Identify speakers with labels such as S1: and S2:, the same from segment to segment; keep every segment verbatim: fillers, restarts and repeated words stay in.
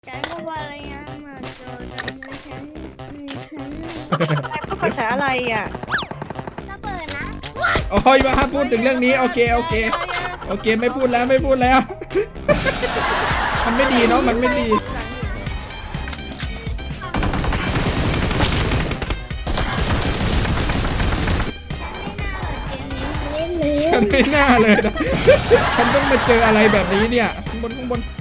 S1: ฉันก็ว่าอะไรนะมาโจทำไมฉันฉัน
S2: พูดภาษาอะไรอ่ะ
S1: ก็เปิดนะ
S3: โอ้ยมาห้ามพูดถึงเรื่องนี้โอเคโอเคโอเคไม่พูดแล้วไม่พูดแล้ว มันไม่ดีเนาะมันไม่ดีฉันไม่น่าเลยนะ ฉันต้องมาเจออะไรแบบนี้เนี่ยข้างบนข้างบน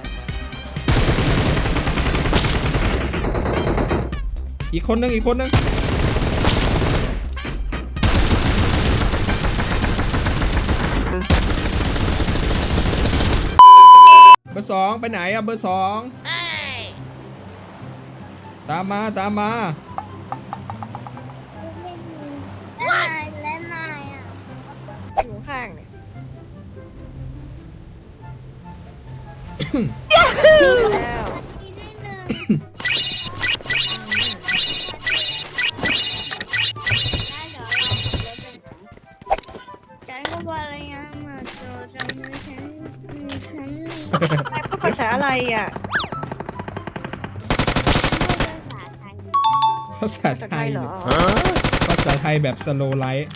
S3: อีกคนนึงอีกคนนึงเบอร์สองไปไหนอะเบอร์สองตามมาตามมา
S1: และนายและนายอ่ะ
S2: อยู่ข้างเนี่ย แล้ว
S1: อีกนิดนึงฉันก็ว่าอะไรนะมาโจทำไมฉันฉัน
S2: พูดภาษาอะไรอ่ะ
S1: ภาษาไทย
S3: ภาษา
S2: ภาษา
S3: ไท
S2: ไท
S3: ย
S2: ยเหรอ
S3: ภาษาไทยแบบสโลไลท์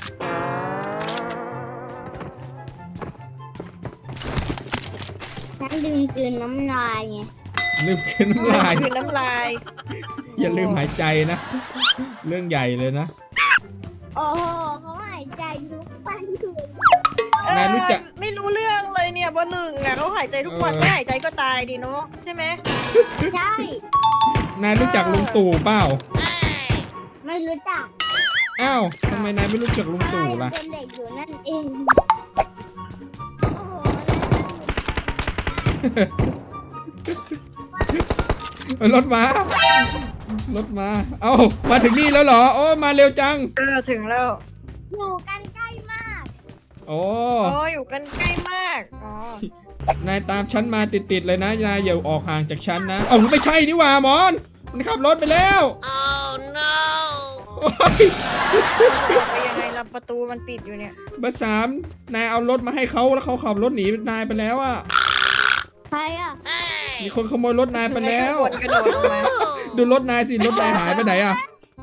S1: ฉันลืมกลืนน้ำลายไง
S3: ลืมขึ้นน้ำลาย
S2: คือน้ำลาย
S3: อย่าลืมหายใจนะ เรื่องใหญ่เลยนะ
S1: โอ้โหเขาหายใจทุกวันคืน
S3: นายรู้จัก
S2: เออไม่รู้เรื่องเลยเนี่ยเบอร์หนึ่งอ่ะเขาหายใจทุกวัน
S3: เออ
S2: ไม่หายใจก็ตายดิเนาะใช่ไหม
S1: ใช่
S3: นายรู้จักลุงตู่เปล่า
S1: ไม่รู้จัก
S3: อ้าวทำไมนายไม่รู้จักลุง
S1: อะไร
S3: ตู่
S1: ยัง
S3: ล่ะ
S1: เป็นเด็กอยู่นั่นเองโอ้โห
S3: เอ้ยรถมา รถมา เอ้า มาถึงนี่แล้วเหรอ โอ้มาเร็วจัง
S2: เออถึงแล้ว
S1: อยู่กันใกล้มาก
S3: โอ้
S2: โอ้อยู่กันใกล้มากอ๋อน
S3: ายตามฉันมาติดๆเลยนะ นายอย่าออกห่างจากฉันนะ เอ้าไม่ใช่นี่หว่ามอน มันขับรถไปแล้ว
S1: oh no
S3: โอ้ย
S2: ออกไปยังไงล่ะประตูมันปิดอยู่เนี่ย
S3: เบอร์สามนายเอารถมาให้เขาแล้วเขาขับรถหนีนายไปแล้วอะ
S1: ใครอ่ะ
S3: มีคนขโมยรถนายไปแล้ว
S2: ให้ข้างบนกระโดดลงมา
S3: ดูรถนายสิ รถนายหายไปไหนอะ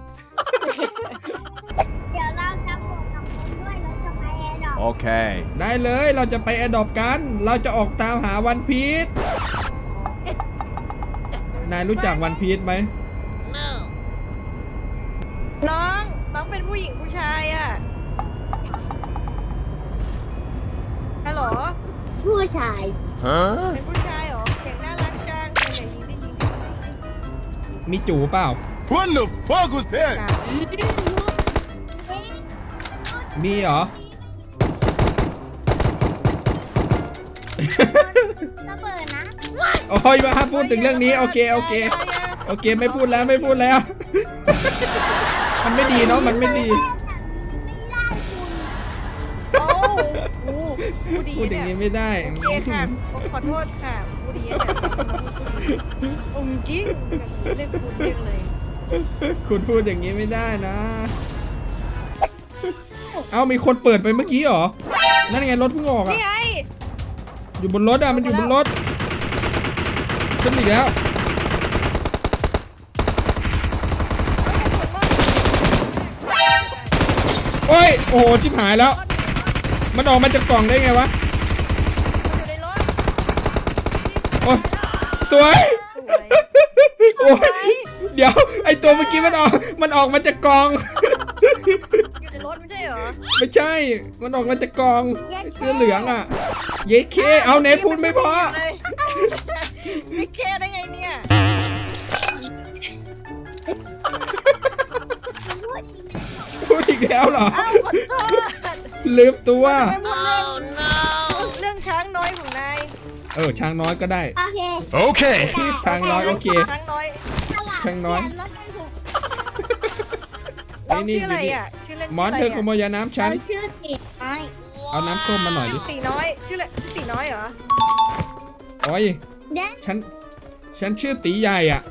S1: เดี๋ยวเราจะบวกกับคนด้วยเราจะไปแอร์ดรอป
S4: Okay.
S3: ได้เลยเราจะไปแอดดอปกัน เราจะออกตามหาวันพีชนายรู้จักวันพีชไหม
S2: น้องน้องเป็นผู้หญิงผู้ชายอ่ะฮัลโหล
S1: ผู้ชาย
S4: Huh?
S2: เป็นผู้ชายเหรอเสียงน่ารักจังอย่ายิงได้ยิง
S3: มีจูเปล่า
S4: What the fuck was that?
S3: มีเหรอ
S1: ก็เปิดนะ
S3: โอ้ยมาห้ามพูดถึงเรื่องนี้โอเคโอเคโอเคไม่พูดแล้วไม่พูดแล้ว มันไม่ดีเนาะมันไม่ดี
S1: ไม่ได้คุณ
S2: โอ้โหผู้ดี
S3: พูดอย่าง
S2: เนี่ย
S3: นี้ไม่ได้
S2: โอเคค่ะผมขอโทษค่ะผู้ดีเนี่ยองค์จริงเรียกคุณเรียกเลย
S3: คุณพูดอย่างนี้ไม่ได้นะ เอามีคนเปิดไปเมื่อกี้เหรอ นั่นไงรถเพิ่งออกอะ
S2: นี่ไง
S3: อยู่บนรถอะมันอยู่บนรถขึ้นอีกแล้วโอ้ยโอ้โหชิบหายแล้ว มันออกมาจากกล่องได้ไงวะ
S2: อยู่ในรถ
S3: โอ้ยสวย
S2: สวย
S3: โอ้ยเดี๋ยวไอตัวเมื่อกี้มันออกมันออกมาจากกล่อง
S2: อยู่ในรถไม่ใช่เหรอ
S3: ไม่ใช่ มันออกมาจากกล่องไอ้เสื้อเหลืองอ่ะ เยเค เอาเนทพูดไม่พอ
S2: เลยไม่แค่ได้ไงเนี่ย
S3: พูดอีกแล้วเหรอ
S2: อ้าวขอโทษ
S3: ลืมตัว
S2: ทำไมพูดเรื่องช้างน้อยของนาย
S3: เออช้างน้อยก็ได้
S1: โอเค
S4: Okay.
S3: ช้างน้อยโอเค
S2: ช้างน้อย
S3: ช่างน้อย
S1: เปลี่รถกันถูก
S2: น้องชื่ออะไรอ่ะชื่อเล่น
S3: มอนเธอขโมยยาน้ำฉั
S1: เรา
S3: น
S1: ชื่อติดไอ้
S3: เอาน้ำส้มมาหน่อยดิ
S2: ตีน้อยชื่ออะไรตีน้อยเหรอ
S3: โอ้ย
S1: เด็ก
S3: ฉัน ฉันชื่อตีใหญ่อ่ะ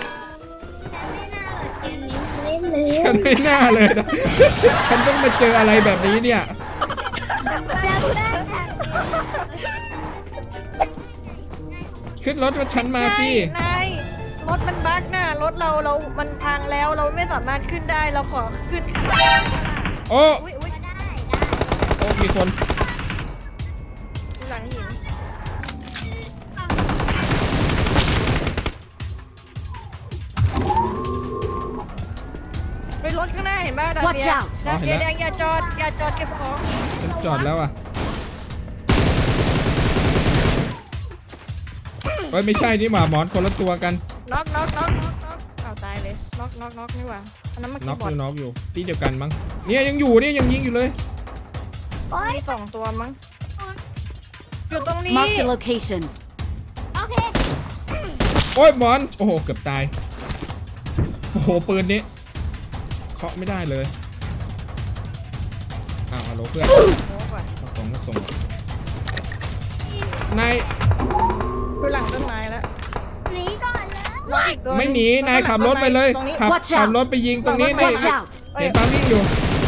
S1: ฉันไม่น่าเลยเกมนี้เล่นเลย
S3: ฉันไม่น่าเลยนะ ฉันต้องมาเจออะไรแบบนี้เนี่ย
S1: จำได้ค่ะ
S3: ขึ้นรถกับฉันมาสิ
S2: นายรถมันบั๊กน่ะรถเราเรา มันพังแล้วเราไม่สามารถขึ้นได้เราขอขึ้น
S3: โอ้
S2: อุ้ยอุ้ย
S1: ก็ได้ได้
S3: โอ้มีคน
S2: หลังหินไปรถข้างหน้าเห็นป่ะดา
S5: Watch
S2: เซีย
S5: out
S2: ดาเซียแดงอย่าจอดอย่าจอดเก็บของ
S3: ฉันจอดแล้วอ่ะเฮ้ยไม่ใช่นี่หว่าหมอนคนละตัวกัน
S2: น็อกน็อกน็อกน็อกน็อกอ้าวตายเลยน็อกน็อกน็อกนี่หว่าอันนั้นมัน
S3: น็
S2: คี
S3: อก
S2: ย์บอ
S3: อ
S2: ร์ด
S3: ยู่น็อกอยู่ที่เดียวกันมั้งเนี่ยยังอยู่เนี่ยยังยิงอยู่เลย
S1: โอ๊ย
S2: มีสองตัวมั้งอยู่ตรงนี้
S5: Marked a location.
S1: โอเค
S3: โอ้ยหมอนโอ้โหเกือบตายโอ้โหปืนนี้เคาะไม่ได้เลยอ้าวฮัลโหลเพื่อน
S2: โอ้ก่อน
S3: เอาของมาส่งนาย
S2: อยู่หลังต้นไม้แล้ว
S1: หนีก่อนเลย
S2: น็อกอีกตัว
S3: ไม่หนีนายขับรถไปเลย
S2: ตรงนี้
S3: ขับ
S5: Watch
S3: ขับ
S5: out
S3: รถไปยิงตรงนี้นี่
S5: Watch out.
S3: เห็นปาวิ่งอยู่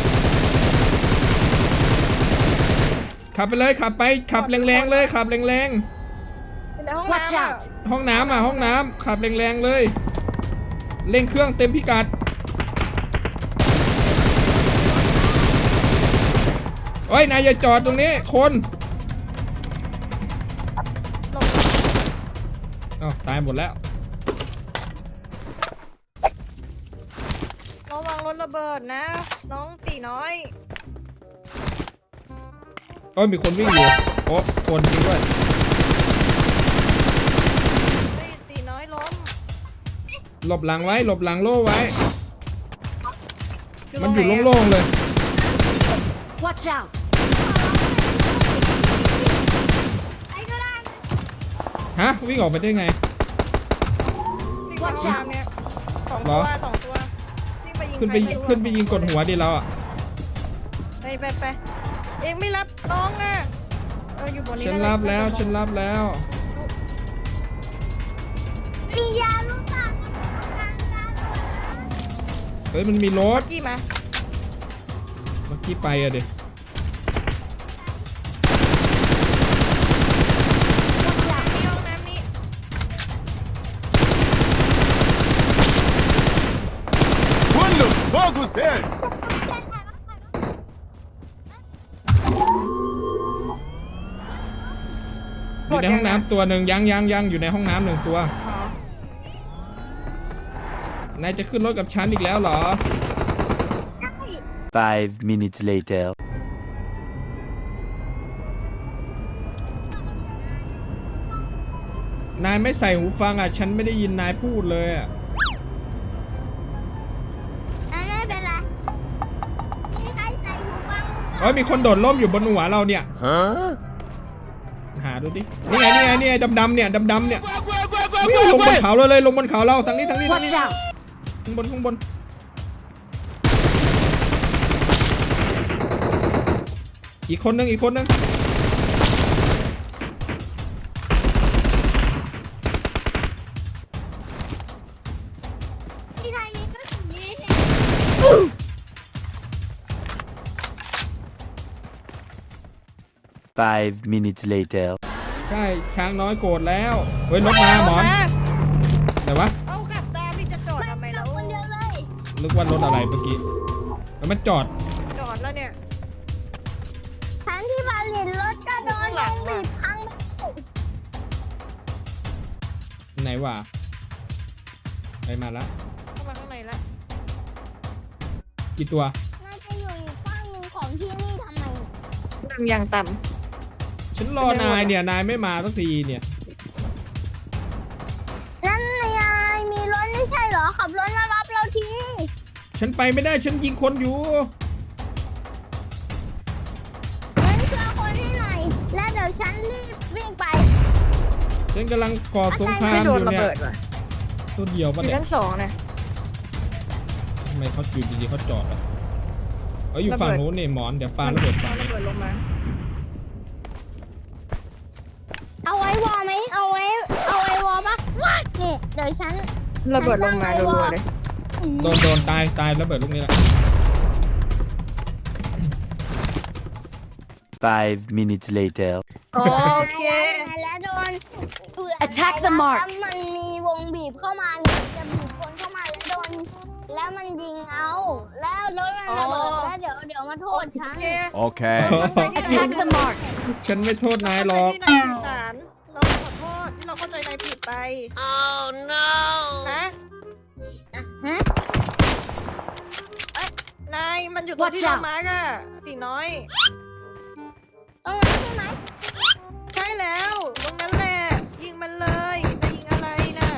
S3: ขับไปเลยขับไปขับแรงๆเลยขับแรง
S2: ในห้อง
S5: Watch
S2: น้ำอะ
S5: out.
S3: ๆห้องน้ำอ่ะห้องน้ำขับแรงๆเลยเร่งเครื่องเต็มพิกัดโอ้ยนายอย่าจอดตรงนี้คน
S2: หลบ
S3: อ้าวตายหมดแล้ว
S2: ระวังรถระเบิดนะ น้องตีน้อย
S3: โอ้ยมีคนวิ่งอยู่โอ้คนจริงด้วย
S2: เฮ้ยตีน้อยล้ม
S3: หลบหลังไว้หลบหลังโล่ไว้ มันอยู่
S2: ตรงไหะ
S3: โล่งๆเลย
S5: Watch out.
S1: ไอ้ก็ได้
S3: ฮะวิ่งออกไปได้ไง
S2: วิ่งไป
S5: Watch
S2: ข้าง
S5: out
S2: เนี่ยสอง
S3: เหร
S2: ตั
S3: อ
S2: วสองตัววิ่งไปยิง
S3: ขึ้นไป
S2: ใครม่รู้
S3: ขึ้นไปยิงกดหัวดิเราอ่ะ
S2: ไปไปไปเองไม่รับน้องนะเอออยู่บนนี้
S3: ฉัน
S2: นะ
S3: รับแล้วฉันรับแล้ว
S1: มียาลูกตา
S3: เฮ้ยมันมีรถ
S2: กี่มา
S3: เมื่อกี้ไปอะเด็
S2: ที่ห้องน้ำนี่
S4: What the fuck was that?
S3: อยู่ในห้องน้ำตัวหนึ่งยังยังยังอยู่ในห้องน้ำหนึ่งตัว
S2: อ๋อน
S3: ายจะขึ้นรถกับฉันอีกแล้วเหรอ
S6: Five minutes later.
S3: นายไม่ใส่หูฟังอ่ะฉันไม่ได้ยินนายพูดเลยอ่ะ
S1: ไม่เป็นไรมีใครใส่หูฟัง
S3: เฮ้ยมีคนโดดร่มอยู่บนหัวเราเนี่ย
S4: Huh?
S3: หาดูดินี่ไงนี่ไงนี่ไงดำๆเนี่ยดำๆเนี่ยวิ่งลงบนเขาเลยเลยลงบนเขาเราทางนี้ทางนี้ทาง
S5: Watch
S3: นี้
S5: out.
S3: ข้างบนข้างบนอีกคนนึงอีกคนนึง
S1: ที่ไทยนี้ก็ถึงนี้
S6: Five minutes later.
S3: ใช่ช้างน้อยโกรธแล้วเฮ้ยรถมาหมอนไหนวะ
S2: เอาขับตามพี่จะจอดทำไม
S1: เรา
S2: แล้ว
S1: คนเดียวเลย
S3: นึกว่ารถอะไรเมื่อกี้แล้วมันจอด
S2: จอดแล้วเนี่ย
S1: ทั้งที่มาเรียนรถก็โดนลงบีบพัง
S3: ไหนวะไปมาแล้ว
S2: เข้ามาข้างในแล้ว
S3: กี่ตัว
S1: น่าจะอยู่อีกข้างหนึ่งของที่นี่ทำไม
S2: น้ำยางต่
S3: ฉันรอนายเนี่ยนายไม่มาสักทีเนี่ย
S1: นั่นยายมีรถไม่ใช่เหรอขับรถมารับเราที
S3: ฉันไปไม่ได้ฉันยิงคนอยู่
S1: งั้นช่วยคนให้หน่อยแล้วเดี๋ยวฉันรีบวิ่งไป
S3: ฉันกำลังก่อสงค
S2: ำ
S3: ราม
S2: ไม่
S3: อ
S2: โดน
S3: ยู่
S2: ระ
S3: เนี่ย
S2: เบิดว่ะ
S3: ตัวเดียว
S2: อ
S3: ปะ
S2: ยู่
S3: เนี่ย
S2: ชั้นสองนะ
S3: ทำไมเขาอยู่ดีๆเขาจอดอ่ะเอ้ยอยู่ฝั่งนู้นนี่หมอนเดี๋ยวปาระเบิดฝั่ง
S2: ระ
S3: นี้
S2: เบิดลงมา
S1: เอาไว้วอไหมเอาไว้เอาไว้วอปะนี่เดี๋ยวฉัน
S2: ระเบิดลงมารัวๆเลย
S3: โดนโดนตายตายระเบิดลูกนี้แหละ
S6: Five minutes later.
S2: โอเค
S1: แล้วโดนเผื่อ
S5: Attack the mark
S1: ถ้ามันมีวงบีบเข้ามาเนี่ยจะบีบคนเข้ามาแล้วโดนแล้วมันยิงเอาแล้วรถมันระเบิดแล้วเดี๋ยวเดี๋ยวมาโทษฉัน
S2: โอเค
S4: Okay.
S5: Attack the mark.
S3: ฉันไม่โทษนายหรอก
S2: ที่นายสื่อสารเราขอโทษที่เราเข้าใจนายผิดไป oh no ฮะ
S1: ฮะ
S2: นายมันอยู่ตรงที่
S5: Watch
S2: เรา
S5: out
S2: มาร์กอะตีน้อย
S1: ตรงนั้นใช่ไหม
S2: ใช่แล้วตรงนั้นแหละยิงมันเลยจะยิงอะไรน่ะ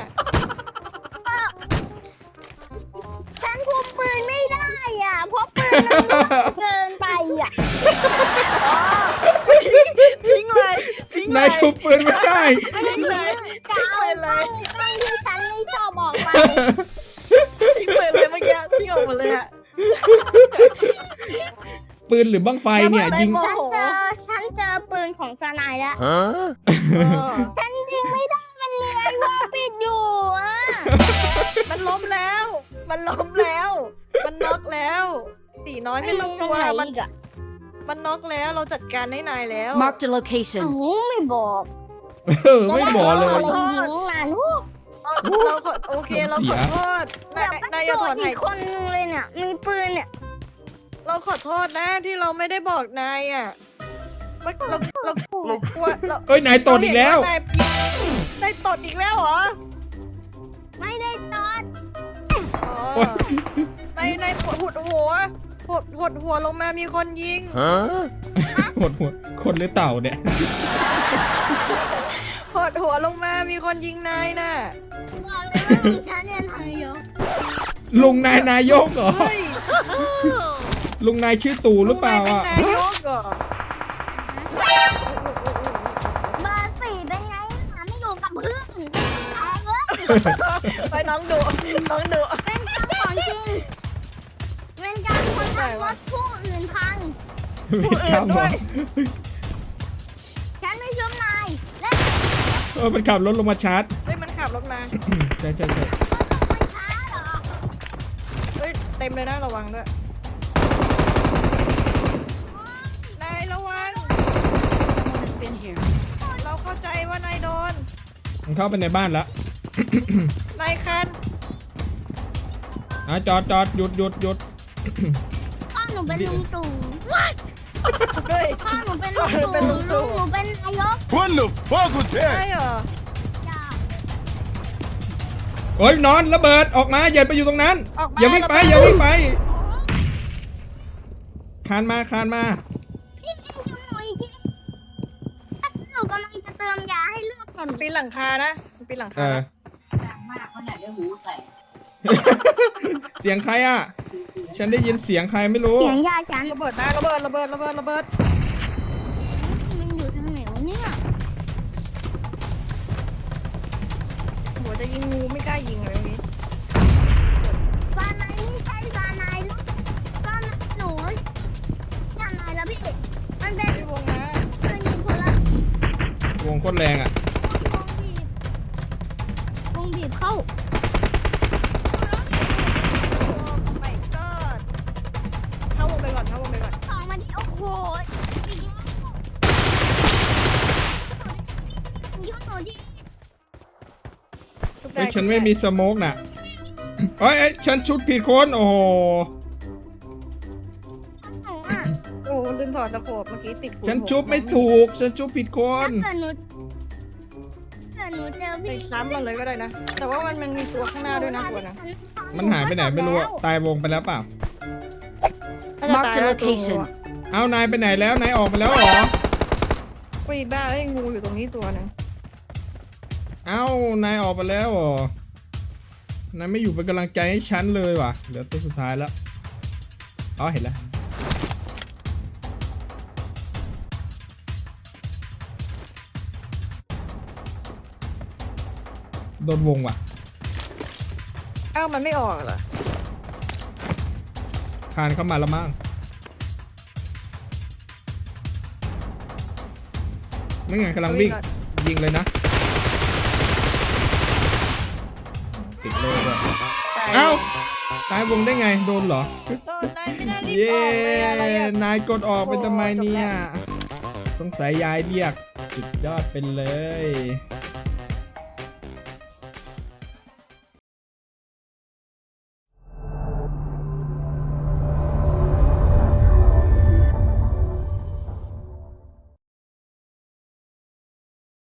S1: ฉันคุมปืนไม่ได้อ่ะเพราะปืนมันเล็กเกินไปอ่ะ
S2: ทิ้งเลยทิ้งเลย
S3: นายคุมปืนไม่ได้
S2: ทิ้งเลย
S1: จะเอากล้องกล้องที่ฉันไม่ชอบออกไป
S2: ทิ้งเลยเลยเมื่อกี้ทิ้งออกมาเลยอะ
S3: ปืนหรือบ้างไฟเนี่ยยิง
S1: ฉันเจอฉันเจอปืนของสนายแล้ว
S4: Huh?
S1: ฉันยิงไม่ได้มันเลื้อยวอปิดอยู่อ่ะ
S2: มันล้มแล้ว มันล้มแล้ว มันน็อกแล้วตีน้อยไม่ต้องกลัว
S1: มัน
S2: มัน
S1: อีกอ่ะ
S2: มันน็อกแล้วเราจัดการให้นายแล้ว
S5: Marked a
S1: เอ้า
S5: location.
S1: ไม่บอก
S3: เออไม่บอกเลย
S1: จะได้อาอะไรยิงนานวู้
S2: เราขอโอเคเราขอโทษ
S1: เดี๋
S2: นาย
S1: ยวไป
S2: นายอย่า
S1: โด
S2: ถอน น
S1: อี
S2: หาย
S1: กคนนึงเลยเนี่ยมีปืนเนี่ย
S2: เราขอโทษนะที่เราไม่ได้บอกนายอ่ะว่าเราเราเรากลัวเรา
S3: เอ้ยนายตดอีกแล้ว
S2: นายนายตดอีกแล้วเหรอ
S1: ไม่ได้ตอด
S2: อ๋อ
S3: โอ๊ย
S2: นายนายหดหัวหดหดหัวลงมามีคนยิง
S4: Huh?
S3: หดหัวคนหรือเต่าเนี่ย
S2: หดหัวลงมามีคนยิงนายน่ะ
S1: บอกเลยว่ามีฉันเนี่ยทางเยอะ
S3: ลุงนายนายกเหรอ
S2: เฮ้ย
S3: ลุงนายชื่อตู่หรือเปล่า
S2: เป็น
S3: อ่ะ
S2: นายกเหรอ
S1: เบอร์สี่เป็นไงหาไม่อยู่กับเพื่อนแตกเลย
S2: ไปน้องดูน้องดู
S1: เป็นการของจริงเป็นการคนทำรถผู้อื่นพัง
S3: ไม่กล้าบอก
S1: ฉันไม่ชุบนายและ
S3: เออมันขับรถลงมาชาร์จ
S2: เฮ้ยมันขับรถมา
S3: ใช่ใช่ใช่
S1: ไม่ช้าเหรอ
S2: เฮ้ยเต็มเลยนะระวังด้วยนายระวัง
S5: Has been here.
S2: เราเข้าใจว่านายโดน
S3: มันเข้าไปในบ้านแล้ว
S2: นายคัน
S3: อ่ะจอดจอดหยุดหยุดหยุด
S1: พ่อหนูเป็นลุงตู่
S2: เฮ้ย
S1: พ่อหนูเป็นลุง
S2: พ่อหนูเป็นลุ
S1: ตู่
S2: งตู่
S1: ลุงหนูเป็นนายก
S4: What the fuck was
S2: ใช่
S4: that?
S2: เหรอ
S1: จ้า
S3: โอ้ยนอนระเบิดออกมาอย่าไปอยู่ตรงนั้น
S2: ออกมา
S3: อย่าวิ่งไปอย่าวิ่งไปคานมาคานมา
S1: พี่พี่ช่วยหนูอีกทีหนูกำลังจะเติมยาให้เลือดเต็ม
S2: ปีนหลังคานะปีนหลัง
S3: เอ
S2: คา
S3: อ
S2: นะ
S3: เสียงใครอ่ะ ฉันได้ยินเสียงใครไม่รู้
S1: เสียงยาฉัน
S2: ระเบิดนะระเบิดระเบิดระเบิดระเบิด
S1: มันอยู่ทางไหนวะเนี่ย
S2: โหจะยิงงูไม่กล้ายิงเลยนี้
S1: ซานายนี่ใช่ซานายลูกซานายหนูซานายแล้วพี่มันเป็น
S2: พี่วงนะ
S1: ปืนยิงคนละ
S3: วงโคตรแรงอ่ะ
S1: วงบีบวงบีบเข้า
S2: ไม่ก็เข้าวงไปก่อนเข้าวงไปก่อน
S1: สองมาดิโอ้โหอีกแล้วยุ่งหนูดิ
S2: ทุบด้
S3: เฮ้ยฉันไม่มีสโมกน่ะเฮ้ยเอ้ยฉันชุดผิดคนโอ้โห
S1: หนูอ่ะ
S2: โอ้โหลืมถอดตะโขบเมื่อกี้ติดหู
S3: ฉันชุบไม่ถูก ฉันชุบผิดคน
S1: ถ้าเกิดหนูถ้าหนูเจอ
S2: ไป
S1: พี่
S2: ซ้ำมันเลยก็ได้นะ แต่ว่ามันมันมีตัวข้างหน้าด้วยนะตัวนะ
S3: มันหายไปไหนไม่รู้อะตายวงไปแล้วเปล่า
S5: Marked a location.
S3: เอานายไปไหนแล้วนายออกไปแล้วเหรอ
S2: ปีบ้าไอ้ยงูอยู่ตรงนี้ตัวหนึง
S3: เอ้านายออกไปแล้วเหรอนายไม่อยู่เป็นกำลังใจให้ฉันเลยว่ะเหลือตัวสุดท้ายแล้วอ๋อเห็นแล้วโดนวงว่ะ
S2: เอ้ามันไม่ออกเหรอ
S3: คานเข้ามาแล้วมั้งไม่ไงกำลังวิ่งยิงเลยนะติดเลยด้วย
S2: ตาย
S3: เอ้าตายวงได้ไงโดนเหรอ
S2: โดนนายไม่น่ารีบ
S3: เย้
S2: ออกเลยอะไรอะ
S3: นายกดออกไปทำไมเนี่ย
S2: โอ้จบแล้ว
S3: สงสัยยายเรียกสุดยอดไปเลย